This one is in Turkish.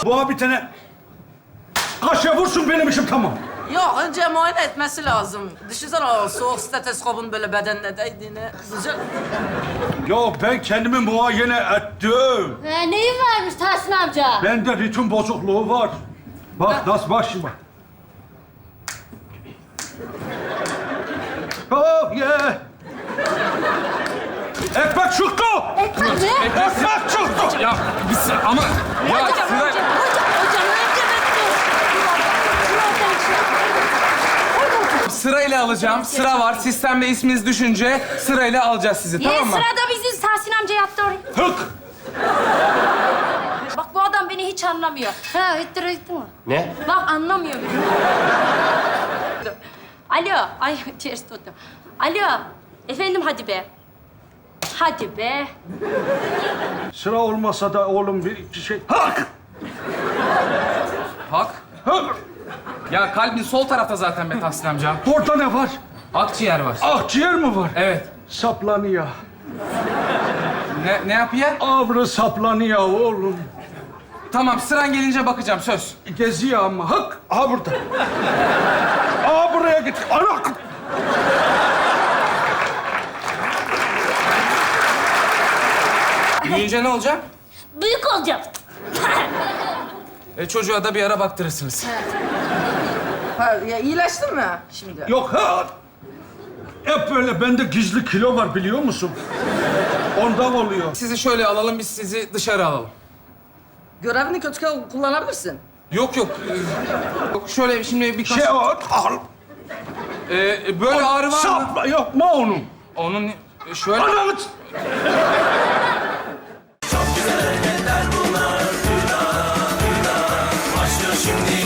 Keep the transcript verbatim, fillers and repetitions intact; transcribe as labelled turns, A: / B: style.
A: Bu bir tane kaşığa vursun benim işim tamam.
B: Yok, önce muayene etmesi lazım. Düşünsene o soğuk steteskopun böyle bedenine değdiğini. Güzel.
A: Ya ben kendimi muayene ettim.
C: Ee, neyin varmış Tahsin amca?
A: Bende ritim bozukluğu var. Bak nasıl bak şimdi bak. Oh yeah. Ekmek çıktı.
C: Ekmek ne?
A: Ekmek çıktı.
D: Ya bir sı- ama... Ya
C: Hocam,
D: Sıra...
C: hocam, hocam, önce bekle.
D: Sırayla alacağım. Sıra var. Sistemde isminiz düşünce sırayla alacağız sizi.
C: Niye
D: Tamam mı?
C: sırada biziz? Tahsin amca yaptı orayı.
A: Hık.
C: Bak bu adam beni hiç anlamıyor. Ha, hıttır hıttır mı?
E: Ne?
C: Bak anlamıyor beni. Alo, ay ters tuttum. Alo, efendim hadi be. Hadi be.
A: Sıra olmasa da oğlum bir iki şey. Hak.
D: Hak.
A: Hak.
D: Ya kalbin sol tarafta zaten be Tahsin amca.
A: Orada ne var?
D: Akciğer var.
A: Akciğer mi var?
D: Evet.
A: Saplanıyor.
D: Ne, ne yapıyor?
A: Avrı saplanıyor oğlum.
D: Tamam, sıran gelince bakacağım, söz.
A: Geziyor ama. Hak. Aha burada. Aha buraya git. Ana.
D: Büyüyünce ne olacak?
C: Büyük olacağım.
D: E, çocuğa da bir ara baktırırsınız.
B: Ha, ya iyileştin mi şimdi?
A: Yok ha. Hep böyle bende gizli kilo var biliyor musun? Ondan oluyor.
D: Sizi şöyle alalım, biz sizi dışarı alalım.
B: Görevini kötü kullanabilirsin.
D: Yok yok. e, yok şöyle şimdi birkaç...
A: Şey o. Al.
D: E, böyle ağrı var mı?
A: Sapla yapma onu.
D: Onun e, şöyle...
A: Ananı.
F: Başlıyor şimdi